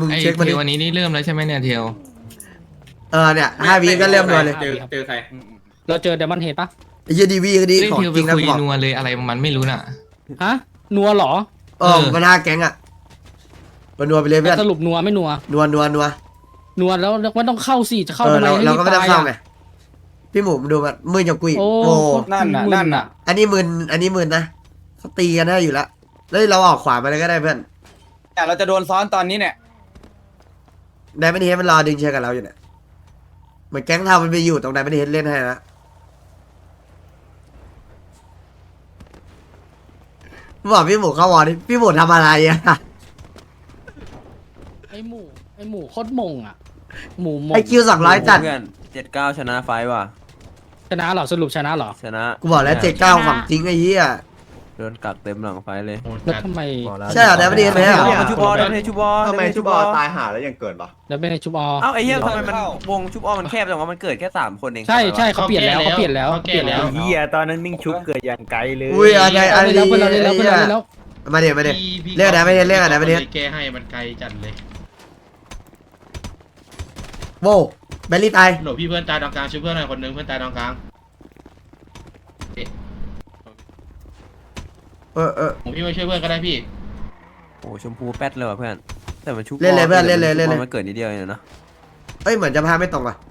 มึงไอ้เช็คมาเทดิลวันนี้นี่เริ่มแล้วใช่ไหมเนี่ยเทลเนี่ย5 วิก็เริ่มนัวเลยเจอใครเราเจอเดมอนเฮดปะไอ้เหี้ยดีวีก็ดีเล่นของเทลจไปริงนะคุยกูบอกนัวเลยอะไรมันไม่รู้น่ะฮะนัวเหรอมัน5 แก๊งอะมันนัวไปเลยเพื่อนสรุปนัวไม่นัวนัวนัวแล้วไม่ต้องเข้าสิจะเข้าทำไมเราก็ไม่ต้องเข้าไงอะพี่หมูดูมันมือจังกุยโอ้โอ้นั่นน่ะอันนี้มึนนะเขาตีกันได้อยู่แล้วแล้วเราออกขวาไปเลยก็ได้เพื่อนแต่เราจะโดนซ้อนตอนนี้เนี่ยไดมอนด์เฮดมันรอดึงเชือกกับเราอยู่เนี่ยเหมือนแก๊งเทามันไปอยู่ตรงไดมอนด์เฮดเล่นให้นะบอกพี่หมูเข้าวอร์ดิพี่หมูทำอะไรอะไอหมูโคตรมงอ่ะหมูมงไอคิว200จัดเพื่อน79ชนะไฟว่ะชนะเหรอสรุปชนะเหรอชนะกูบอกแล้ว79ของจริงไอ้เหี้ยโดนกักเต็มหลังไฟเลยแล้วทำไมใช่เหรอไดมอนด์เฮดไหมอะมันชุบอลได้ชุบอลทำไมชุบอตายหาแล้วยังเกิดปะแล้วไม่ได้ชุบอเอ้าไอ้เหี้ยทำไมมันวงชุบอลมันแคบจังวะมันเกิดแค่3คนเองใช่เขาเปลี่ยนแล้วเขาเปลี่ยนแล้วเฮียตอนนั้นมิ่งชุบเกิดอย่างไกลเลยอุ้ยอะไรเอาอะไรไปแล้วเพื่อนเราเล่นแล้วเพื่อนเราเล่นแล้วมาเดี๋ยวเรียกไดมอนด์เฮดเรียกไดมอนด์เฮดแกให้มันไกลจัดเลยโว้แบลลี่ตายหลบพี่เพื่อนตายตรงกลางช่วยเพื่อนหน่อยคนนึงเพื่อนตายตรงกลาง ผมพี่มาช่วยเพื่อนก็ได้พี่โอ้ชมพูแป๊ดเลยว่ะเพื่อนแต่มันชุบเล่นเลยเพื่อนเล่นเลยมันเกิดนิดเดียวเองนะเอ้ยเหมือนจะพาไม่ตรงว่ะ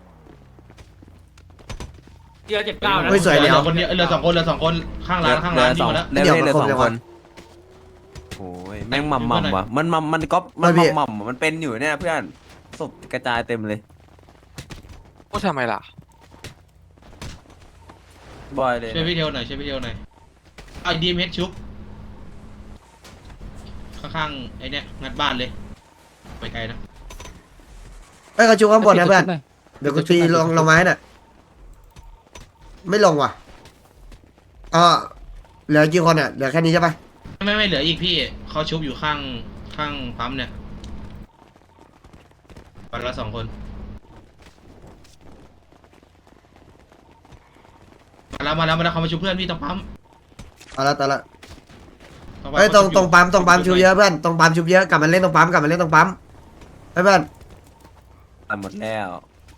เดียว79นะเฮ้ยสวยเดี๋ยวคนเดียวเหลือ2 คนข้างร้านนี่หมดแล้วเล่นเลย2 คนโอ้ยแม่งหม่ำว่ะมันก๊อปมันหม่ำมันเป็นอยู่เนี่ยเพื่อนศพกระจายเต็มเลยพูดทำไมล่ะบอยเลยช่วยพี่เทลหน่อยเอาดีมเฮดชุบข้างๆไอ้เนี่ยงัดบ้านเลยไปไกลนะเอ้ยเขาชูข้างบนนะเพื่อนเดี๋ยวกูตีลงไม้น่ะไม่ลงว่ะเหลือกี่คนอ่ะเหลือแค่นี้ใช่ปะไม่เหลืออีกพี่เขาชุบอยู่ข้างปั๊มเนี่ยวันละ2 คนมาแล้วเขามาชุบเพื่อนพี่ต้องปั๊มเอาละตอนละเอ้ยตรงปั๊มชุบเยอะเพื่อนตรงปั๊มชุบเยอะกลับมาเล่นตรงปั๊มเฮ้ยเพื่อนตายหมดแล้ว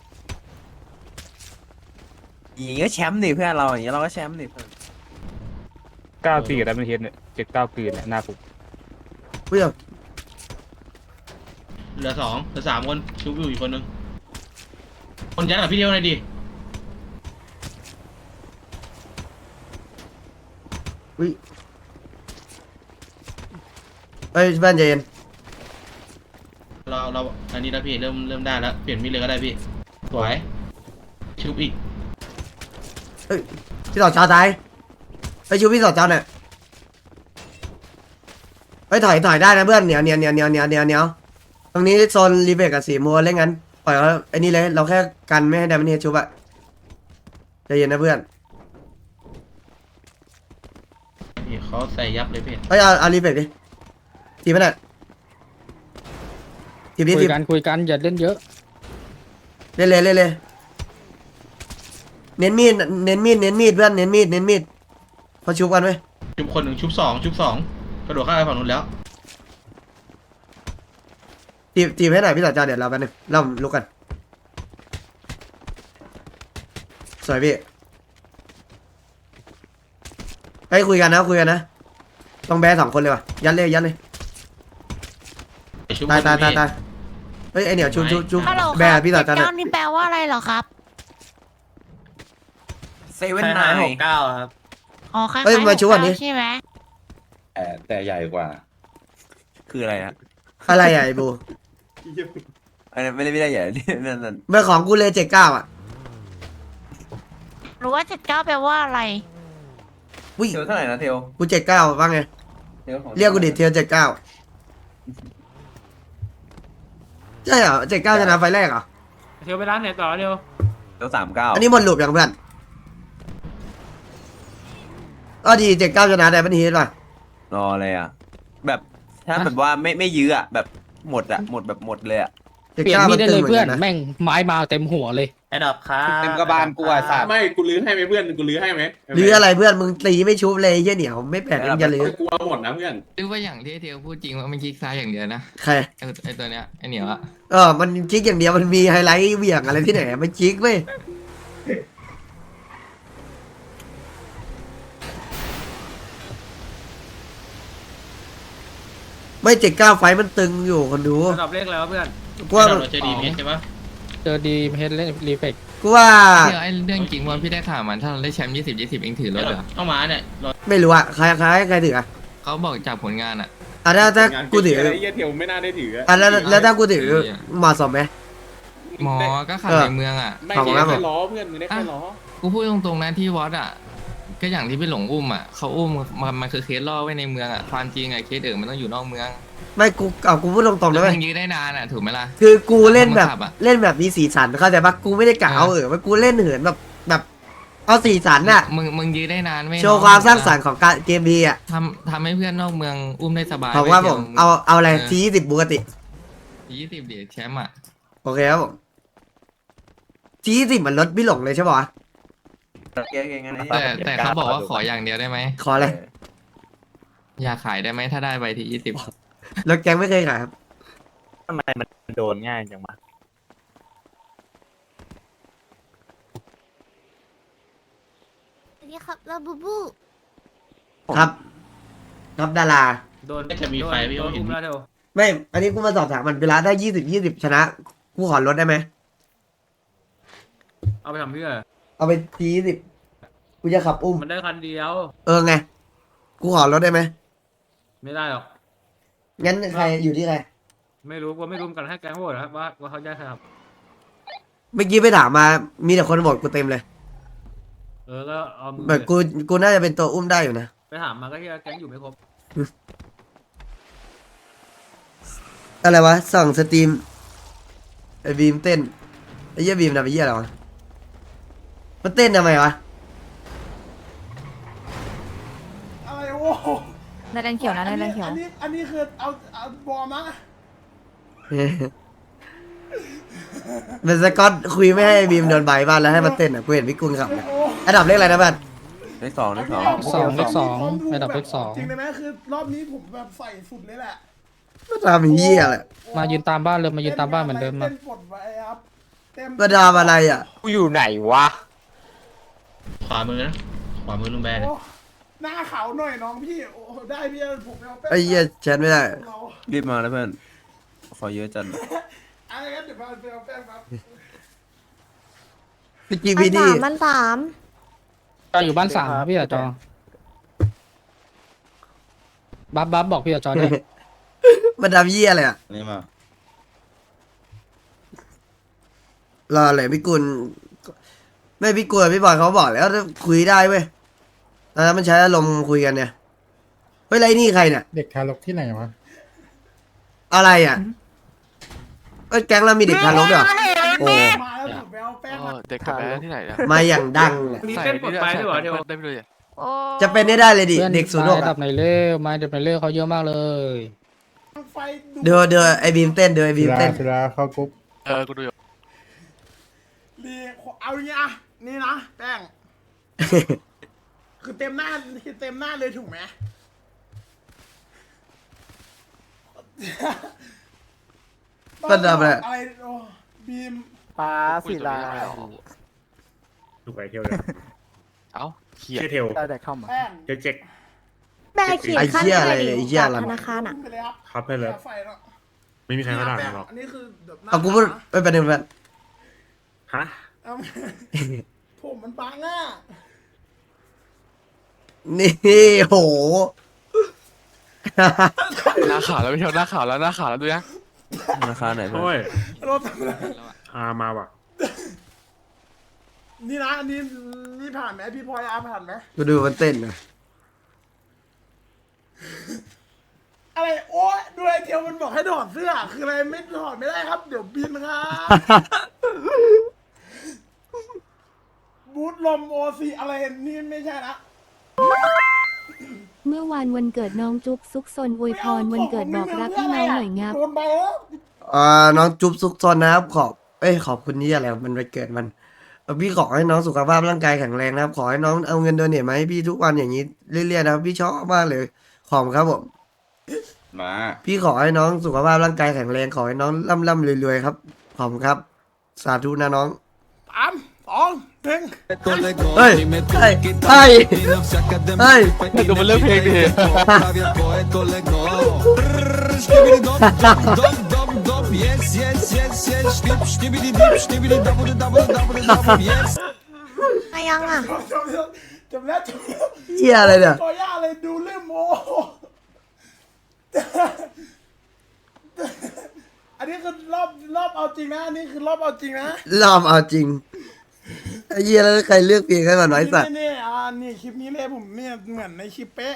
อย่างงี้ก็แชมป์ดิเพื่อนเราอย่างงี้เราก็แชมป์ดิเพื่อน 94กับดับเบิลเฮดเนี่ย79คืนเนี่ยหน้าผมเพื่อนเหลือ3 คนชุบอยู่อีกคนนึงคนยัดกับพี่เทลหน่อยดิอุ้ยเอ้ยเพื่อนใจเย็นเราอันนี้แล้วพี่เริ่มได้แล้วเปลี่ยนมีดเลยก็ได้พี่สวยชุบอีกเอ้ยพี่ต่อเจ้าตายเอ้ยชูพี่ต่อเจ้าเนี่ยเอ้ยถอยได้นะเพื่อนเหนียวตรงนี้โซนรีเบกกับสีมัวเล่นกันปล่อยเขาไอ้นี่เลยเราแค่กันไม่ให้ไดมอนด์เฮดชุบอะใจเย็นนะเพื่อนพี่เขาใส่ยับเลยพี่เอ้ยเอารีเบกดิทีมันอ่ะทีนี้คุยกันอย่าเล่นเยอะเล่นเลยเน้นมีดเพื่อนเน้นมีดเขาชุบกันไหมชุบคนหนึ่งชุบสองกระโดดข้ามไปฝั่งนู้นแล้วทีให้หน่อยพี่ต่อจอเดี๋ยวเราแป๊บนึงเราลุกกันสวยพี่เฮ้ยคุยกันนะต้องแบร์2 คนเลยว่ะยัดเลยชุบตายเฮ้ยไอเหนียวชุบฮัลโหลแบร์พี่ต่อจอเนี่ยเจ้านี่แปลว่าอะไรเหรอครับ 7-9 ครับอ๋อคล้ายๆเฮ้ยมาชุบอันนี้ใช่ไหมแต่ใหญ่กว่าคืออะไรฮะอะไรอ่ะไอ้บูอันนั้นไม่ได้ใหญ่นั่นเมื่อของกูเลย79อ่ะรู้ว่า79แปลว่าอะไรอุ้ยเทลเท่าไหร่นะเทลกู79ว่าไงเรียกกูดิเทียว79ใช่เหรอ79ชนะไฟแรกเหรอเทียวไปร้านไหนต่อเดียวเทล39 อันนี้หมดหลุมอย่างเพื่อนดี79ชนะได้ปะนี่ป่ะรออะไรอ่ะแบบถ้าแบบว่าไม่ยื้ออ่ะแบบหมดอ่ะหมดแบบหมดเลยอ่ะเจ็ดเปลี่ยนเก้ามีมัดนได้ตึเลงยเหมือนเพื่อกัน นนะแม่งไม้มาเต็มหัวเลยไอ้ดอกครับเต็มกระบาลกูอ่ะสัตว์ไม่กูลื้อให้ไหมเพื่อนกูลื้อให้ไหมหรืออะไรเพื่อนมึงตีไม่ชุบเลยไอ้เหี้ยเหนียวไม่แปลกมึงจะหรือกูเอาหมดนะเพื่อนหรือว่าอย่างที่เทลพูดจริงว่ามันคลิกซ้ายอย่างเดียวนะใครไอตัวเนี้ยไอเหนียวอะมันจิกอย่างเดียวมันมีไฮไลท์เหวี่ยงอะไรที่ไหนมันจิกเว้ยไม่เจ็ดเก้าไฟมันตึงอยู่คนดูระดับเลขแล้วเพื่อนกูว่าเราเจอดีเพชรใช่ปะเจอดีเฮดเล่นรีเฟกกูว่าเทลไอเรื่องจริงว่าพี่ได้ข่าวมันถ้าเราได้แชมป์20 เองถือรถเหรอเข้ามาเนี่ยรถไม่รู้อะใครถืออะเขาบอกจากผลงานอะถ้ากูถือไอ้เหี้ยเทียวไม่น่าได้ถือแล้วถ้ากูถือเหมาะสมไหมหมอก็ขับในเมืองอะไม่ของได้ครับผมแค่ล้อเพื่อนมึงได้แค่ล้อกูพูดตรงๆนะที่วอดอะก็อย่างที่พี่หลงอุ้มอะเขาอุ้มมันคือเคสล่อไว้ในเมืองอะความจริงอะเคสอื่นมันต้องอยู่นอกเมืองไม่กูพูดตรงๆแล้นะวเว้มึยงยื้อได้นานอะถูกไหมล่ะคือกูเล่นแบบคนขับอะเล่นแบบมีสีสันเข้าใจปะกูไม่ได้กะเอาว่ากูเล่นเหินแบบเอาสีสันอะมึงยื้อได้นานไม่โชว์ความสร้างสรรค์ของการเกมพีอะทำให้เพื่อนนอกเมืองอุ้มได้สบายของว่าผมเอาอะไรที10ปกติ 20เดี๋ยวแชมป์อะโอเคครับผมที10มันลดพี่หลงเลยใช่ปะวะเก่งๆงั้นไอ้แต่เขาบอกว่าขออย่างเดียวได้ไหมขออะไรอยากขายได้ไหมถ้าได้ใบที่20 รถแกงไม่เคยขายครับทำไมมันโดนง่ายจังวะนี่ครับลาบูบูครับดาราโดนจะมีไฟพี่โดโอน เห็นอุ้มแล้วเทวไม่ อันนี้กูมาสอบถามมันเวลาได้20ชนะ กูขอลดได้ไหมเอาไปทำเพื่อเอาไปที10กูจะขับอุ้มมันได้คันเดียวไง กูขอลดได้ไหมไม่ได้หรอกงั้นใครอยู่ที่ใครไม่รู้ว่าไม่รู้กันให้แกงโหวตนะครับว่าเขาได้ใครครับเมื่อกี้ไปถามมา มีแต่คนบอกกูเต็มเลยก็เอามือแบบกูน่าจะเป็นตัวอุ้มได้อยู่นะไปถามมาก็ที่แกงอยู่ไม่ครบอะไรวะส่องสตรีมไอ้บีมเต้นไอ้เหี้ยบีมทำไอ้เหี้ยอะไรวะมันเต้นทำไมวะอะไรโว้ในแรงเขียวนะในแรงเขียวอันนี้คือเอาบอลมั้งเป็นสกอตคุยไม่ให้บีมโดนใบบ้านแล้วให้มันเต้นอ่ะกูเห็นพี่กุลขับเนี่ยอันดับเลขอะไรนะบ้านเลขสองเลขสองเลขสองระดับเลขสองจริงได้ไหมคือรอบนี้ผมแบบใส่สุดเลยแหละมันทำเหี้ยแหละมายืนตามบ้านเลยมายืนตามบ้านเหมือนเดิมมาเต้นปลดไว้ครับเต็มมันทำอะไรอ่ะกูอยู่ไหนวะขวามือนะขวามือลุงแบนโอ้หน้าขาวหน่อยน้องพี่โอ้ได้พี่ผมเอาแป้งไอ้เหี้ยแชทไม่ได้เรารีบมาแล้วเพื่อนขอเยอะจัดอะไรกันเดี๋ยวมาเอาแป้งครับพี่จีพีดีมันสามจออยู่บ้าน3ครับพี่อะจอบัฟบอกพี่อะจอด้วยมันทำเหี้ยอะไรอ่ะนี่มารอเลยพี่กุลไม่พี่กุลพี่บอยเขาบอกแล้วคุยได้เว้ยตอนนั้นมันใช้อารมณ์คุยกันเนี่ยเฮ้ยไรนี่ใครเนี่ยเด็กทารกที่ไหนวะอะไรอ่ะเอ้ยแก๊งเรามีเด็กทารกด้วยเหรอโอ้มาแล้วผมไปเอาแป้งมาเด็กกับแม่ที่ไหนนะมาอย่างดังเลยมีเต้นปลดไปด้วยเหรอเทวได้ไปเลยโอ้จะเป็นได้เลยดิเพื่อนเด็กศูนย์หกระดับไหนเล่มาระดับไหนเล่เขาเยอะมากเลยไฟเดี๋ยวไอ้บีมเต้นเดี๋ยวไอ้บีมเต้นเวลาเข้ากรุ๊ปกูดูอยู่ดีเอาอย่างเงี้ยอ่ะนี่นะแป้ง คือเต็มหน้าเลยถูกไหมมันทำอะไรอะไรโอ้บีมป้าศิลาถูกไปเที่ยวเลยเอ้าเขียชื่อเทลได้แต่เข้ามาแป้งเจ๊กเจ๊กแม่ขีดไอ้ขั้นเหี้ยอะอะไร ไรดิไอ้เหี้ยอะไรธนาคารอ่ะไปเลยครับครับเพื่อนเลยไฟแล้วไม่มีใครเขาด่าหรอกอันนี้คือแบบหน้เอากูพูดไม่เป็นไรเพื่อนฮะเอาผมมันบังอ่ะนี่โหหน้าขาวแล้วไม่เที่ยวหน้าขาวแล้วหน้าขาวแล้วดูยังราคาไหนเพื่อนโอ้ยรถมาว่ะนี่นะอันนี่ผ่านไหมพี่พลอยอาผ่านไหมกูดูมันเต้นนะอะไรโอ้ยดูไอเทียวมันบอกให้ถอดเสื้อคืออะไรไม่ถอดไม่ได้ครับ เดี๋ยวบินครับ บูทลมโอซีอะไรนี่ไม่ใช่นะเมื่อวานวันเกิดน้องจุ๊บซุกซนอวยพรวันเกิดบอกรักพี่น้องหน่อยงับโดนไปแล้วน้องจุ๊บซุกซนนะครับขอบคุณนี่อะไรมันไปเกิดมันพี่ขอให้น้องสุขภาพร่างกายแข็งแรงนะครับ ขอให้น้องเอาเงินโดเนทมาให้พี่ทุกวันอย่างนี้เรื่อยๆนะครับพี่ชอบมากเลยขอบคุณครับผมมาพี่ขอให้น้องสุขภาพร่างกายแข็งแรงขอให้น้องร่ำรวยๆครับขอบคุณครับ สาธุนะน้อง 3 2 1 เฮ้ยเฮ้ยเฮ้ยเฮ้ยดูมันเลือกเพลงดิมายังอ่ะจบแล้วเหี้ยอะไรเนี่ยก่อย่าเลยดูเรื่องโมอันนี้คือรอบเอาจริงนะ อันนี้คือรอบเอาจริงนะรอบเอาจริงไอ้เหี้ยแล้วใครเลือกเพลงให้มันน้อยสัตว์นี่นี่คลิปนี้เลยผมเนี่ยเหมือนในคลิปเป๊ะ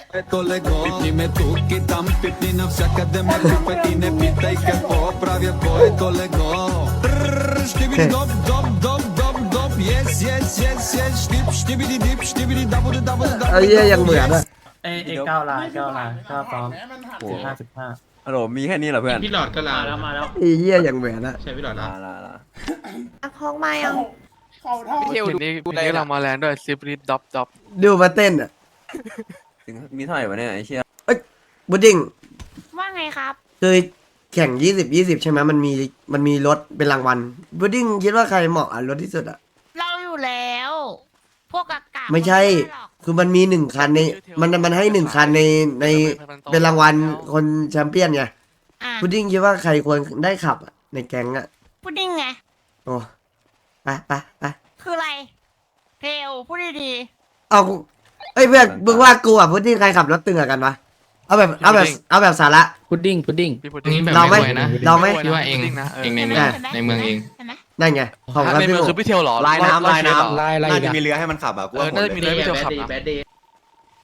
ไอ้เหี้ยยังเหมือนอะเอ้9 ลาย9 พร้อมฮัลโหลมีแค่นี้เหรอเพื่อนพี่หลอดก็ลามาแล้วไอ้เหี้ยยังเหมือนอะใช่พี่หลอดละอ่ะพกมายังเข่าเท่าเห็นนี้เรามาแรงด้วยซิปรีดด็อปดูมาเต้นอะมีเท่าไหร่วะเนี่ยไอ้เชี่ยบูดดิ้งว่าไงครับคือแข่ง20ใช่ไหมมันมีรถเป็นรางวัลบูดดิ้งคิดว่าใครเหมาะอ่ะรถที่สุดอ่ะเราอยู่แล้ว พวกกากาไม่ใช่ คือมันมี1 คันในมันให้1 คันในเป็นรางวัลคนแชมเปี้ยนไงอ่ะบูดดิ้งคิดว่าใครควรได้ขับอะในแก๊งอ่ะพุดดิ้งไงโอ้ไปคืออะไรเทลพูดดีเอาเอ้ยเพื่อนมึงว่ากูอ่ะบูดดิ้งใครขับรถตึงอะกันวะเอาแบบสาระพุดดิ้งพี่พูดอันนี้แบบเราไหมไม่ไหวนะเราไหมพี่ว่าเองนะเองในๆเมืองห็ไหในเมืองเองเห็นไหมนั่นไงขอบคุณครับในพี่เมืองโอคือพี่เทลหรอลายน้ำน่าจะมีเรือลายอะไรน่าอีกจะอะมีเรือให้มันขับอ่ะกูว่าน่าจะมีเรือพี่เทลขับแบดเดย์